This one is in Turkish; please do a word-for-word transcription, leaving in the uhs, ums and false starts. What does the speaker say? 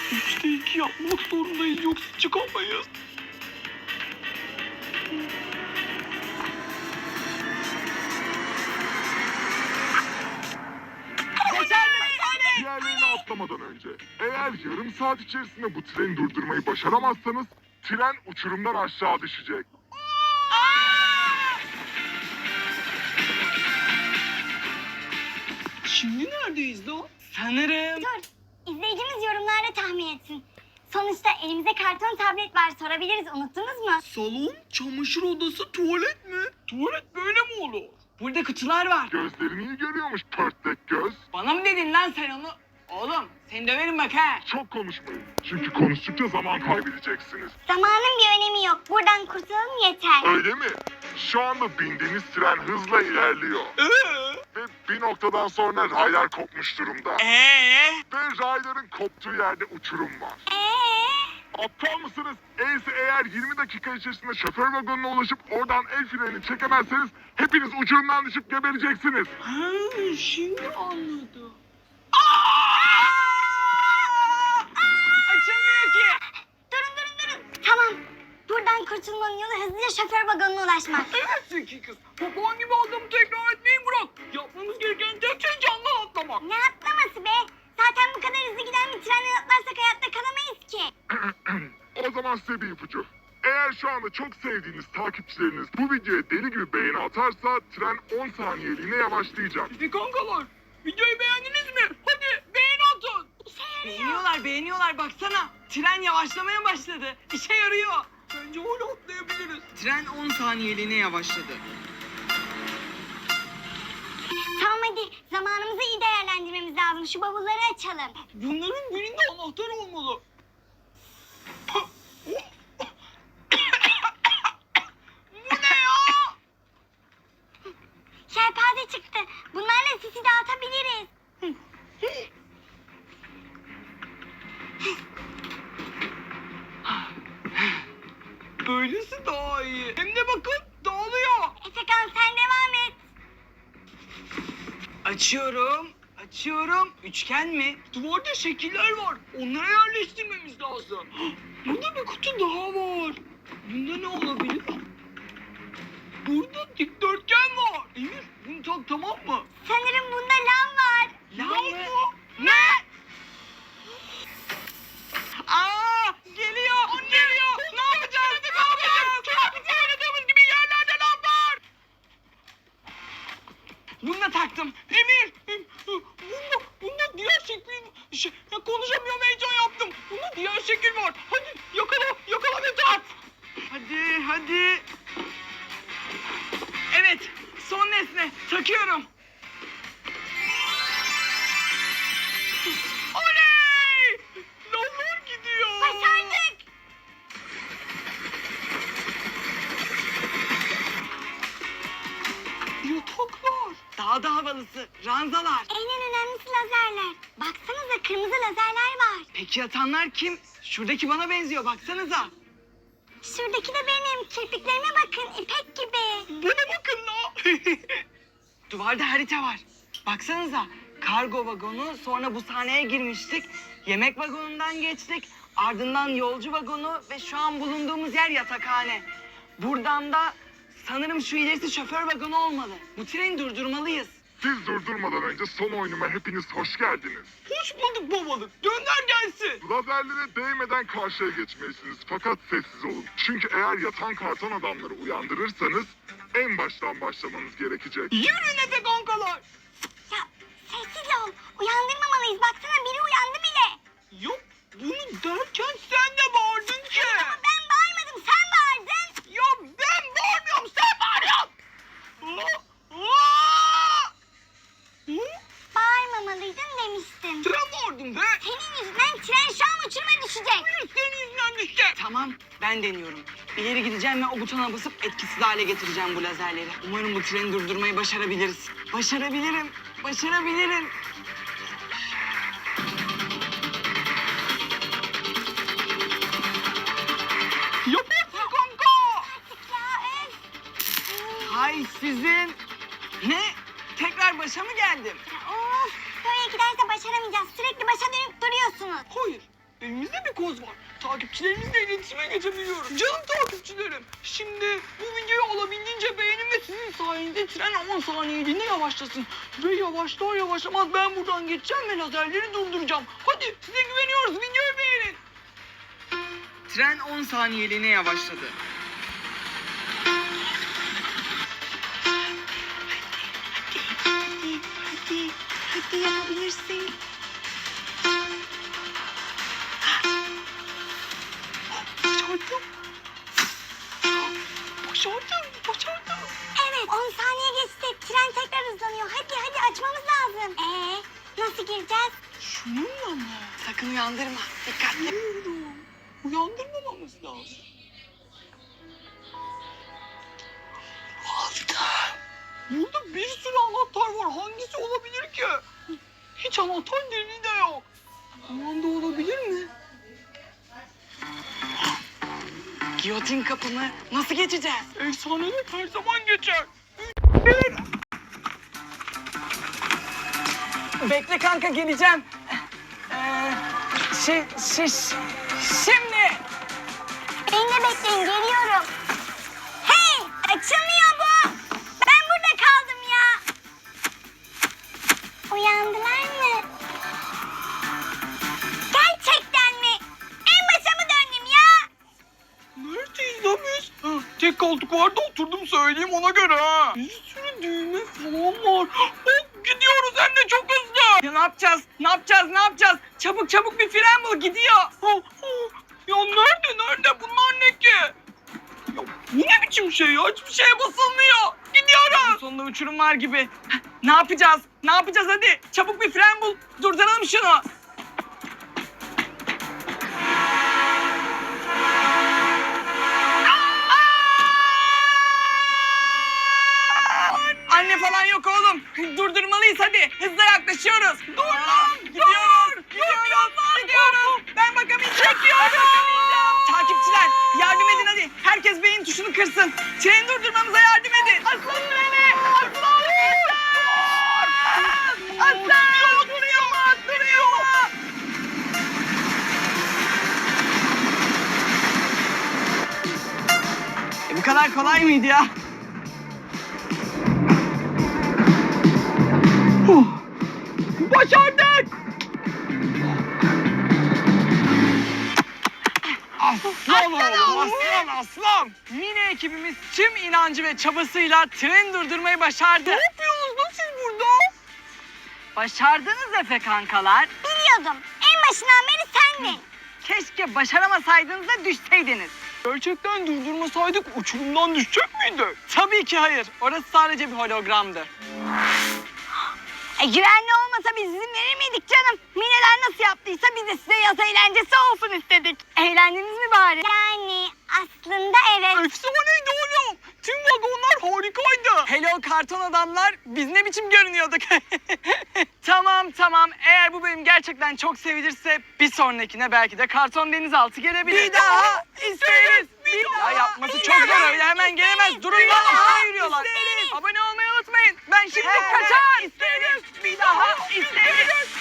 Üçte iki yapmak zorundayız yoksa çıkamayız. Diğerlerini atlamadan önce, eğer yarım saat içerisinde bu treni durdurmayı başaramazsanız, tren uçurumdan aşağı düşecek. Şimdi neredeyiz lan? Sanırım... Dur, izleyicimiz yorumlarda tahmin etsin. Sonuçta elimizde karton tablet var, sorabiliriz, unuttunuz mu? Salon, çamaşır odası, tuvalet mi? Tuvalet böyle mi olur? Burada kutular var. Gözlerini iyi görüyormuş pörtlek göz. Bana mı dedin lan sen onu? Oğlum seni döverim bak ha. Çok konuşmayın. Çünkü konuştukça zaman kaybedeceksiniz. Zamanın bir önemi yok, buradan kurtulalım yeter. Öyle mi? Şu anda bindiğiniz tren hızla ilerliyor. Ee? Ve bir noktadan sonra raylar kopmuş durumda. Ee? Ve rayların koptuğu yerde uçurum var. Eee? Aptal mısınız? Eğer eğer yirmi dakika içerisinde şoför vagonuna ulaşıp oradan el freni çekemezseniz hepiniz uçurumdan düşüp gebereceksiniz. Ha, şimdi anladım. Açılmıyor ki. Durun durun durun. Tamam, buradan kurtulmanın yolu hızlıca şoför vagonuna ulaşmak. Evet zeki kız. Baban gibi adamı tekrar etmeyi bırak. Yapmamız gereken tek şey camdan atlamak. Ne atlaması be? Zaten bu kadar hızlı giden bir trenden atlarsak hayatta kalamayız ki. O zaman size bir ipucu. Eğer şu anda çok sevdiğiniz takipçileriniz bu videoya deli gibi beğeni atarsa tren on saniyeliğine yavaşlayacak. Hadi kankalar, videoyu beğendiniz mi? Hadi beğeni atın. İşe yarıyor. Beğeniyorlar, beğeniyorlar. Baksana. Tren yavaşlamaya başladı. İşe yarıyor. Bence öyle atlayabiliriz. Tren on saniyeliğine yavaşladı. Tamam hadi, zamanımızı iyi değerlendirmemiz lazım. Şu bavulları açalım. Bunların birinde anahtar olmalı. Bu ne ya? Şelpaze çıktı. Bunlarla sisi dağıtabiliriz. Böylesi daha iyi. Hem de bakın dağılıyor. Efekan sen devam et. Açıyorum. Açıyorum. Üçgen mi? Duvarda şekiller var. Onlara yerleştirmemiz lazım. Burada bir kutu daha var. Bunda ne olabilir? Burada dikdörtgen var. Emir bunu tak, tamam mı? Sanırım bunda lav var. Lav mı? Ne? Aa, geliyor. Geliyor. Ne yapacağız? Ne yapacağız? Çocukluğumuzda oynadığımız gibi yerlerde lav var. Bunu da taktım. Emir. em, Bunda, bunda diğer şekil... Şey, ya konuşamıyorum, heyecan yaptım. Bunda diğer şekil var. Hadi yakala, yakala ve tak. Hadi, hadi. Evet, son nesne. Takıyorum. Oley! Lavlar gidiyor. Başardık. Yataklar. Daha da havalısı. Ranzalar. En önemlisi lazerler. Baksanıza kırmızı lazerler var. Peki yatanlar kim? Şuradaki bana benziyor, baksanıza. Şuradaki de benim. Kirpiklerime bakın, ipek gibi. Bana bakın la. Duvarda harita var. Baksanıza. Kargo vagonu, sonra bu sahneye girmiştik. Yemek vagonundan geçtik. Ardından yolcu vagonu ve şu an bulunduğumuz yer yatakhane. Buradan da sanırım şu ilerisi şoför vagonu olmalı. Bu treni durdurmalıyız. Siz durdurmadan önce son oyunuma hepiniz hoş geldiniz. Hoş bulduk babalık. Gönder gelsin. Lazerlere değmeden karşıya geçmelisiniz fakat sessiz olun. Çünkü eğer yatan karton adamları uyandırırsanız en baştan başlamanız gerekecek. Yürü Efe kankalar. Ya sessiz ol. Uyandırmamalıyız. Baksana biri uyandı bile. Yok, bunu derken sen de bağırdın ki. Ama ben bağırmadım. Sen bağırdın. Ya ben bağırmıyorum, sen bağırıyorsun. Aa, aa! Hı? Bağırmamalıydın demiştim. Tren bağırdım be. Senin yüzünden tren şu an uçuruma düşecek. Hayır, senin yüzünden düştü. Tamam, ben deniyorum. İleri gideceğim ve o butona basıp etkisiz hale getireceğim bu lazerleri. Umarım bu treni durdurmayı başarabiliriz. Başarabilirim, başarabilirim. Yaparsın kanka. Artık ya öf. Hay sizin. Ne? Tekrar başa mı geldim? Ya, of. Böyle giderse başaramayacağız. Sürekli başa dönüp duruyorsunuz. Hayır. elimizde bir koz var. Takipçilerimizle iletişime geçebiliyoruz. Canım takipçilerim, şimdi bu videoyu olabildiğince beğenin ve sizin sayenizde tren on saniyeliğine yavaşlasın. Ve yavaşlar yavaşlamaz ben buradan geçeceğim ve lazerleri durduracağım. Hadi size güveniyoruz, videoyu beğenin. Tren on saniyeliğine yavaşladı. Hadi, hadi, hadi yapabilirsin. Başardım. Başardım, başardım. Evet, on saniye geçti. Tren tekrar hızlanıyor. Hadi, hadi açmamız lazım. Ee, nasıl gireceğiz? Şununla mı? Sakın uyandırma. Dikkatli. Bilmiyorum. Uyandırmamamız lazım. Altta. Burada bir sürü anahtar var. Hangisi olabilir ki? Hiç anahtar deliği de yok. Kumanda olabilir mi? Giyotin kapımı nasıl geçeceğiz? Efsaneler her zaman geçer. Bekle kanka geleceğim. Ee, şey, şey, şimdi. Beni de bekleyin, geliyorum. Hey, açılmıyor bu. Ben burada kaldım ya. Uyandılar mı? Gerçekten mi? En başa mı döndüm ya? Neredeyiz lan biz? Ha, tek koltuk vardı oturdum söyleyeyim ona göre ha. Bir sürü düğme falan var. Hop gidiyoruz hem de çok hızlı. Ya ne yapacağız? Ne yapacağız? Ne yapacağız? Çabuk çabuk bir fren bul gidiyor. Ha, ha. Ya nerede nerede bunlar ne ki? Ya bu ne biçim şey ya? Hiçbir şeye basılmıyor. Gidiyoruz. Sonunda uçurum var gibi. Ne yapacağız? Ne yapacağız hadi? Çabuk bir fren bul. Durduralım şunu. Anne falan yok oğlum. Durdurmalıyız hadi. Hızla yaklaşıyoruz. Dur lan. Gidiyoruz. Gidiyoruz. Gidiyoruz. Ben bakamayacağım. Çekiyorum. Takipçiler yardım edin hadi. Herkes beyin tuşunu kırsın. Treni durdurmamıza yardım edin. Aslan treni. Aslan. Aslan. Duruyor. Duruyor. E, bu kadar kolay mıydı ya? Başardık. Aslan oğlum, aslan, aslan. Mini ekibimiz tüm inancı ve çabasıyla treni durdurmayı başardı. Ne yapıyorsunuz lan siz burada? Başardınız Efe kankalar. Biliyordum. En başından beri sendin. Keşke başaramasaydınız da düşseydiniz. Gerçekten durdurmasaydık uçurumdan düşecek miydik? Tabii ki hayır. Orası sadece bir hologramdı. E, güvenli olmasa biz izin verir miydik canım? Mineler nasıl yaptıysa biz de size yaz eğlencesi olsun istedik. Eğlendiniz mi bari? Yani aslında evet. Efsaneydi oğlum. Tüm vagonlar harikaydı. Hello karton adamlar. Biz ne biçim görünüyorduk? Tamam tamam. Eğer bu bölüm gerçekten çok sevilirse bir sonrakine belki de karton denizaltı gelebilir. Bir daha isteriz. Bir Ya daha yapması çok zor öyle hemen gelemez. Durun lan üstüne yürüyorlar. isteriz. Abone olmayı unutmayın. Ben şimdi He, kaçar. isteriz. Bir daha isteriz.